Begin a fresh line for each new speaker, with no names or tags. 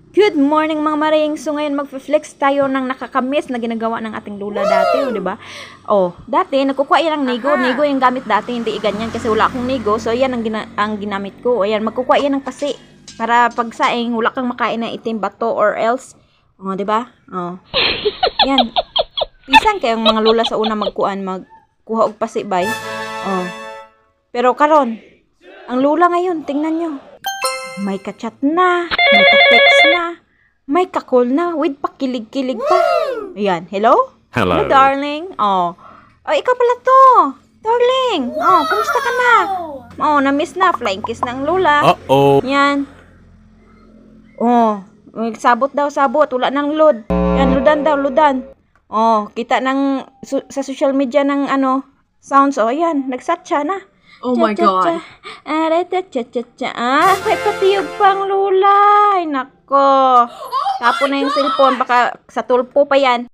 Good morning mga maring. So ngayon magfe-flex tayo ng nakakamiss na ginagawa ng ating lula dati, di ba? Oh, dati nagkukuha yan ng nigo. Nigo yung gamit dati, hindi ganyan kasi wala akong nigo. So yan ang ginamit ko. Ayan, magkukuha yan ng pasi para pagsaing wala kang makain ng itim bato or else. Oh, di ba? Oh. Yan. Pisan kayong mga lula sa una magkuha og pasi bay. Oh. Pero karon, ang lula ngayon, tingnan nyo. May ka-chat na, may ka-text na, may ka-call na, with pakilig-kilig pa. Ayan, hello?
Hello.
Darling. Oh, ikaw pala to. Darling. Oh, kumusta ka na? Oh, na-miss na. Flying kiss ng lula.
Uh-oh.
Yan. Oh, sabot daw, sabot. Wala nang load. Yan, ludan daw, ludan. Oh, kita sa social media ng sounds. Oh, yan, nagsat siya na.
Oh my God.
May patiyog pang lula. Ay, nako. Tapon na yung cellphone. Baka sa tulpo pa yan.